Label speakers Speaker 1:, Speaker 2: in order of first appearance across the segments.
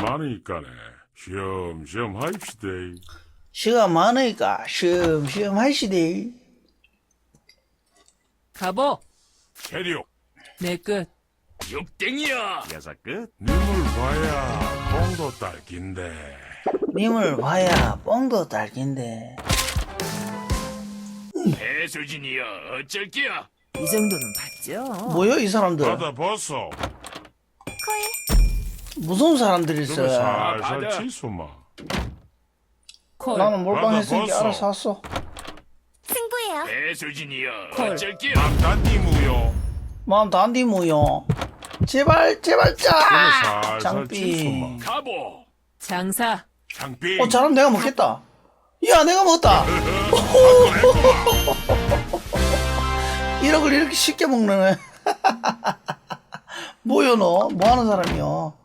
Speaker 1: 많으니까네. 쉬엄쉬엄 하입시다.
Speaker 2: 시간 많으니까 쉬엄쉬엄 하시대.
Speaker 3: 가보.
Speaker 1: 체력.
Speaker 3: 내 끝.
Speaker 4: 육땡이야. 여섯 끝.
Speaker 1: 님을 봐야 뽕도 딸긴데.
Speaker 2: 님을 봐야 뻥도 딸긴데.
Speaker 4: 배수진이야. 어쩔게야.
Speaker 3: 이 정도는 봤죠.
Speaker 2: 뭐야 이 사람들?
Speaker 1: 받아 벗어.
Speaker 2: 무서운 사람들이
Speaker 1: 그거
Speaker 2: 있어.
Speaker 1: 살살
Speaker 4: 받아.
Speaker 1: 치수마.
Speaker 3: 콜.
Speaker 2: 나는 몰빵했으니까
Speaker 1: 받아,
Speaker 2: 알아서 왔어.
Speaker 5: 승부예요.
Speaker 4: 배수진이야.
Speaker 3: 콜.
Speaker 4: 어쩔게야.
Speaker 1: 남단니무요.
Speaker 2: 마음 단디 무요. 제발 제발
Speaker 1: 그거
Speaker 2: 짜.
Speaker 1: 살살
Speaker 2: 장삐.
Speaker 1: 치수마.
Speaker 4: 가보.
Speaker 3: 장사.
Speaker 1: 장비.
Speaker 2: 잘하면 내가 먹겠다. 야 내가 먹었다. 1억을 이렇게 쉽게 먹는 애. 뭐여 너? 뭐하는 사람이여?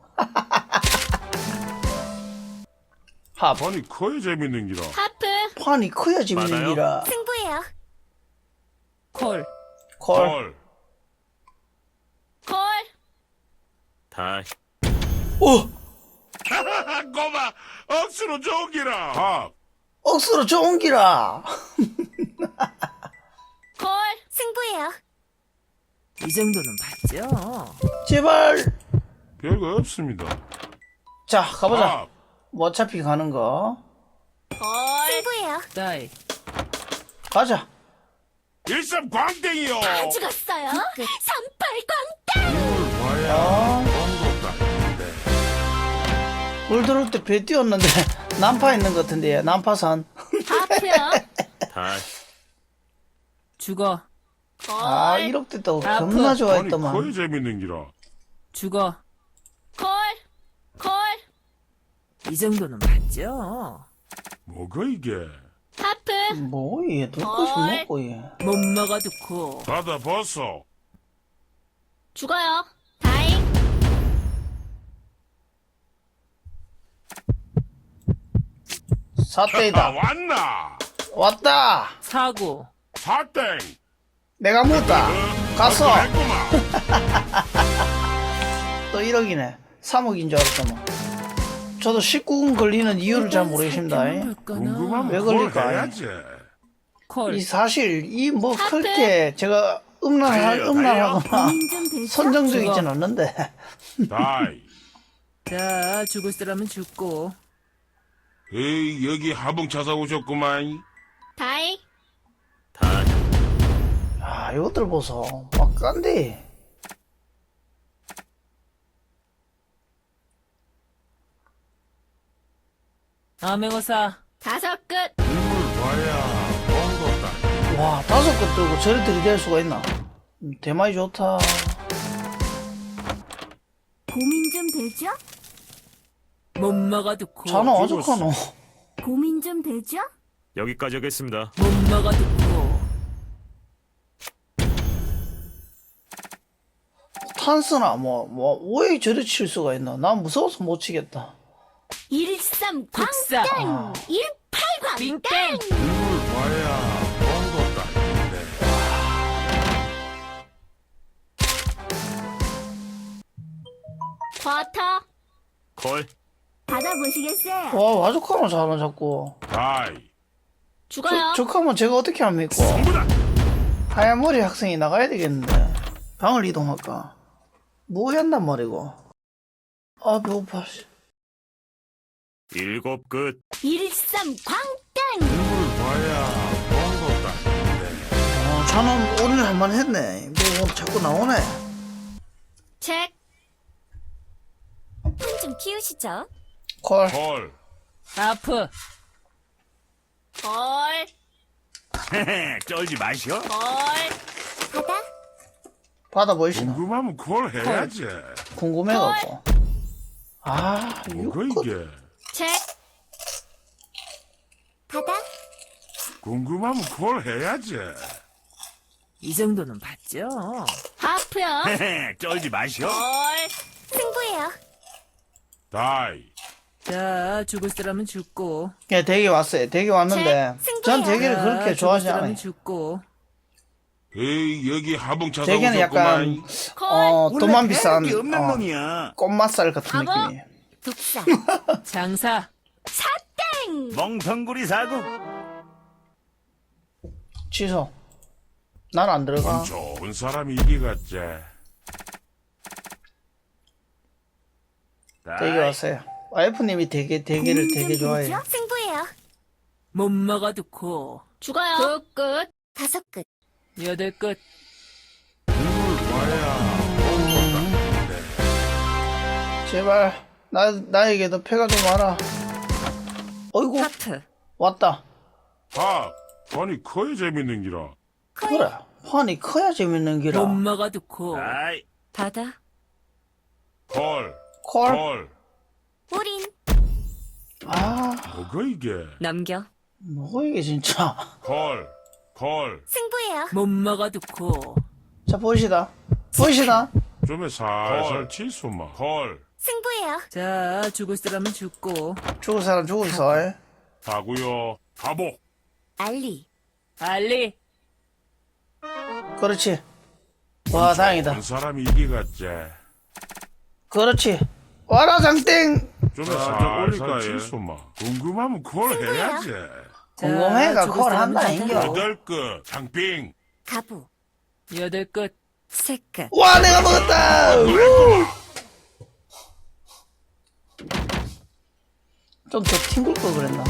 Speaker 2: 하
Speaker 1: 아니 커야 재밌는 기라.
Speaker 5: 하프.
Speaker 2: 판이 커야 재밌는
Speaker 4: 많아요?
Speaker 2: 기라.
Speaker 5: 승부예요.
Speaker 3: 콜.
Speaker 2: 콜.
Speaker 1: 헐.
Speaker 5: 콜.
Speaker 4: 다.
Speaker 2: 오
Speaker 1: 꼬마 억수로 좋은 기라. 아,
Speaker 2: 억수로 좋은 기라.
Speaker 5: 콜. 승부예요.
Speaker 3: 이 정도는 봤죠.
Speaker 2: 제발.
Speaker 1: 별거 없습니다.
Speaker 2: 자 가보자.
Speaker 1: 아,
Speaker 2: 뭐 어차피 가는 거.
Speaker 5: 콜. 승부예요.
Speaker 3: 따이.
Speaker 2: 가자.
Speaker 1: 일삼 광땡이요.
Speaker 5: 다 죽었어요. 38광.
Speaker 1: 님을 봐야 뽕도 딸긴데.
Speaker 2: 물 들어올 때 배 띄웠는데 난파 있는 것 같은데 난파산.
Speaker 5: 하프요.
Speaker 4: 다.
Speaker 3: 죽어.
Speaker 5: 콜.
Speaker 2: 아 1억 됐다고
Speaker 3: 아프.
Speaker 2: 겁나
Speaker 1: 아니
Speaker 2: 좋아했더만.
Speaker 1: 커야 재밌는 기라.
Speaker 3: 죽어.
Speaker 5: 콜. 콜.
Speaker 3: 이 정도는 봤죠.
Speaker 1: 뭐가 이게?
Speaker 5: 하프.
Speaker 2: 뭐얘 눈꽃이
Speaker 5: 헐.
Speaker 2: 먹고 얘.
Speaker 3: 못 먹어도 코.
Speaker 1: 받아 벗어.
Speaker 5: 죽어요. 다잉.
Speaker 1: 아,
Speaker 2: 사땡이다.
Speaker 1: 왔나?
Speaker 2: 왔다.
Speaker 3: 사고.
Speaker 1: 사땡.
Speaker 2: 내가 묻다. 갔어.
Speaker 1: 했구만.
Speaker 2: 또 1억이네. 3억인 줄 알았더만. 저도 19금 걸리는 이유를 잘 모르겠습니다.
Speaker 1: 궁금하면
Speaker 2: 왜
Speaker 1: 그걸
Speaker 2: 걸릴까?
Speaker 1: 해야지.
Speaker 3: 콜.
Speaker 2: 이 사실 이 뭐
Speaker 5: 하트.
Speaker 2: 그렇게 제가 음란하거나
Speaker 5: 고민 좀 되죠?
Speaker 2: 선정적이진 않는데.
Speaker 1: 다이.
Speaker 3: 자, 죽을 사람은 죽고.
Speaker 1: 에이 여기 하봉 찾아 오셨구만.
Speaker 5: 다잉.
Speaker 4: 다.
Speaker 2: 아 이것들 보소. 막 깐데.
Speaker 3: 암행어사.
Speaker 5: 다섯 끝.
Speaker 1: 님을 봐야 뽕도 딸.
Speaker 2: 와 5건 들고 저리 들이댈 수가 있나. 대마이 좋다.
Speaker 5: 고민 좀 되죠?
Speaker 3: 못 먹어도 코.
Speaker 2: 자는 어떡하노.
Speaker 5: 고민 좀 되죠?
Speaker 4: 여기까지 하겠습니다.
Speaker 3: 못 먹어도 코.
Speaker 2: 탄스나 왜 저리 칠 수가 있나. 난 무서워서 못 치겠다.
Speaker 5: 13
Speaker 3: 국사.
Speaker 5: 광땡. 18광
Speaker 3: 빙땡.
Speaker 5: 땡.
Speaker 1: 님을 봐야 뽕도 딸긴데.
Speaker 5: 쿼터.
Speaker 4: 콜.
Speaker 5: 받아보시겠어요?
Speaker 2: 와 와죽하면 자는 자꾸.
Speaker 1: 다이.
Speaker 5: 죽어요.
Speaker 2: 적하면 제가 어떻게 합니까?
Speaker 4: 승부다.
Speaker 2: 하얀 머리 학생이 나가야 되겠는데. 방을 이동할까? 뭐 한단 말이고. 아 배고파.
Speaker 4: 일곱 끝.
Speaker 5: 13 광땡.
Speaker 1: 님을 봐야 뽕도 딸긴데.
Speaker 2: 자는 오늘 할만 했네. 뭐 자꾸 나오네.
Speaker 5: 책. 좀 키우시죠.
Speaker 2: 콜.
Speaker 1: 헐.
Speaker 3: 아프.
Speaker 5: 콜.
Speaker 4: 쩔지 마시오.
Speaker 5: 콜. 받아.
Speaker 2: 받아 보이시나?
Speaker 1: 궁금하면 그걸 해야지.
Speaker 2: 궁금해갖고. 아
Speaker 1: 뭐가
Speaker 2: 6건.
Speaker 1: 이게?
Speaker 5: 책. 받아.
Speaker 1: 궁금하면 그걸 해야지.
Speaker 3: 이 정도는 봤죠.
Speaker 5: 하프요.
Speaker 4: 쩔지 마시오.
Speaker 5: 콜. 승부예요.
Speaker 1: 다이.
Speaker 3: 자, 죽을 사람은 죽고.
Speaker 2: 예, 대기 왔어요. 대기 왔는데
Speaker 5: 승부예요.
Speaker 2: 전 대기를
Speaker 3: 자,
Speaker 2: 그렇게
Speaker 3: 죽을
Speaker 2: 좋아하지
Speaker 3: 사람은
Speaker 2: 않아요.
Speaker 3: 죽고.
Speaker 1: 에이 여기 하봉 찾아
Speaker 2: 대기는 약간
Speaker 1: 오셨구만.
Speaker 5: 콜.
Speaker 2: 돈만 비싼
Speaker 4: 게 없는 놈이야.
Speaker 2: 꽃맛살 같은
Speaker 5: 가보.
Speaker 2: 느낌이에요.
Speaker 5: 독사.
Speaker 3: 장사.
Speaker 5: 사땡.
Speaker 4: 멍텅구리 사고.
Speaker 2: 취소. 난 안 들어가.
Speaker 1: 좋은 사람이 이기겠지.
Speaker 2: 되게 왔어요. 와이프님이 되게 대게를 되게 좋아해요.
Speaker 5: 공유는 승부예요.
Speaker 3: 못 먹어도 고.
Speaker 5: 죽어요. 끝. 5끝.
Speaker 3: 8끝.
Speaker 2: 제발 나에게도 패가 좀 와라. 어이구
Speaker 5: 하프.
Speaker 2: 왔다.
Speaker 1: 밥. 아니 커야 재밌는 기라.
Speaker 2: 그래. 판이 커야 재밌는 기라.
Speaker 3: 못 먹어도 고.
Speaker 4: 다이.
Speaker 5: 바다.
Speaker 1: 콜.
Speaker 2: 콜.
Speaker 1: 콜.
Speaker 5: 올인.
Speaker 2: 아
Speaker 1: 뭐가 이게?
Speaker 5: 넘겨.
Speaker 2: 뭐고 이게 진짜.
Speaker 1: 콜. 콜.
Speaker 5: 승부예요.
Speaker 3: 못 먹어도 고.
Speaker 2: 자 보시다. 보시다.
Speaker 1: 좀에 살살 치수마. 콜.
Speaker 5: 승부예요.
Speaker 3: 자, 죽을 사람은 죽고.
Speaker 2: 죽을 사람 죽었어.
Speaker 1: 가구요. 가복.
Speaker 5: 알리.
Speaker 3: 알리.
Speaker 2: 그렇지. 와 다행이다.
Speaker 1: 좋은 사람이 이기겠지.
Speaker 2: 그렇지. 와라 장땡.
Speaker 1: 좀에 살살 치수마. 궁금하면 콜 해야지.
Speaker 2: 궁금해가
Speaker 3: 죽을
Speaker 2: 콜
Speaker 3: 사람은
Speaker 2: 한다,
Speaker 3: 죽고.
Speaker 2: 인겨.
Speaker 1: 8끝. 장빙.
Speaker 5: 가부.
Speaker 3: 8끝.
Speaker 5: 3끝.
Speaker 2: 와 내가 먹었다. 좀 더 튕길 걸 그랬나.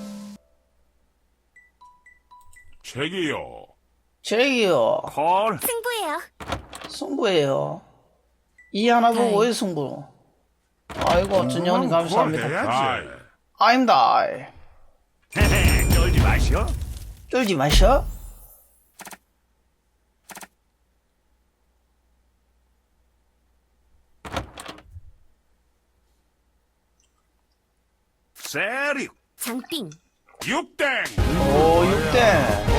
Speaker 1: 책이요.
Speaker 2: 제기요.
Speaker 4: 콜.
Speaker 5: 승부예요.
Speaker 2: 승부예요. 이 하나 보고 왜 승부? 아이고 준영님 감사합니다.
Speaker 1: 다이.
Speaker 2: I'm die.
Speaker 4: 헤헤, 쩔지 마시오.
Speaker 2: 쫄지 마셔.
Speaker 4: 세리.
Speaker 5: 장빙.
Speaker 1: 육땡.
Speaker 2: 오 6대.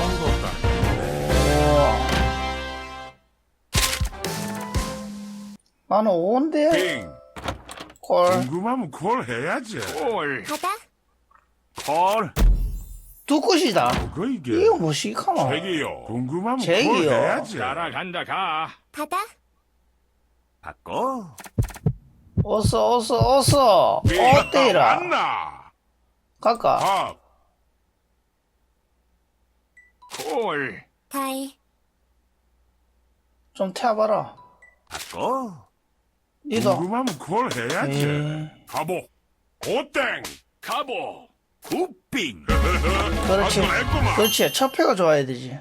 Speaker 2: 나는 5인데
Speaker 1: 빙.
Speaker 2: 콜.
Speaker 1: 궁금하면 콜 해야지.
Speaker 4: 콜.
Speaker 5: 바다.
Speaker 4: 콜.
Speaker 2: 두 끝이다.
Speaker 1: 뭐가 이게?
Speaker 2: 이거 뭐 시카노.
Speaker 1: 책이요. 궁금하면 콜
Speaker 2: 책이요.
Speaker 1: 해야지.
Speaker 4: 따라간다 가.
Speaker 5: 바다.
Speaker 4: 바꿔.
Speaker 2: 어서
Speaker 1: 빙.
Speaker 2: 어때이라
Speaker 1: 맞나?
Speaker 2: 갈까.
Speaker 1: 밥.
Speaker 4: 콜.
Speaker 5: 다이.
Speaker 2: 좀 태워봐라.
Speaker 4: 바꿔.
Speaker 2: 니도.
Speaker 1: 궁금하면 콜 해야지.
Speaker 2: 에이,
Speaker 1: 가복. 오땡.
Speaker 4: 가보. 굿빙.
Speaker 2: 그렇지.
Speaker 1: 아, 했구만.
Speaker 2: 그렇지. 첫 패가 좋아야 되지.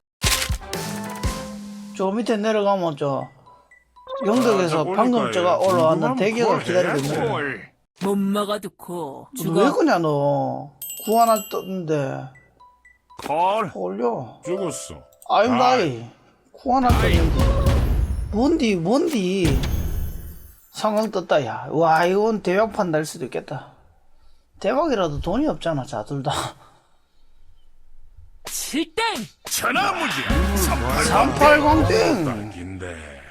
Speaker 2: 저 밑에 내려가면 저 영덕에서
Speaker 1: 아,
Speaker 2: 방금 저가 올라왔는
Speaker 1: 궁금하면
Speaker 2: 대게가
Speaker 1: 콜
Speaker 2: 기다리고
Speaker 1: 해야지.
Speaker 2: 있는 거야.
Speaker 4: 콜.
Speaker 3: 못 먹어도 고.
Speaker 2: 왜
Speaker 3: 죽어.
Speaker 2: 그냐 너. 구 하나 떴는데
Speaker 4: 콜.
Speaker 2: 올려.
Speaker 1: 죽었어.
Speaker 2: I'm
Speaker 1: 아이.
Speaker 2: die. 구 하나 떴는데. 뭔디. 상황 떴다 야. 와 이건 대박판 날 수도 있겠다. 대박이라도 돈이 없잖아 자 둘 다.
Speaker 3: 7땡.
Speaker 4: 천하무지.
Speaker 2: 380땡.
Speaker 1: 당긴데.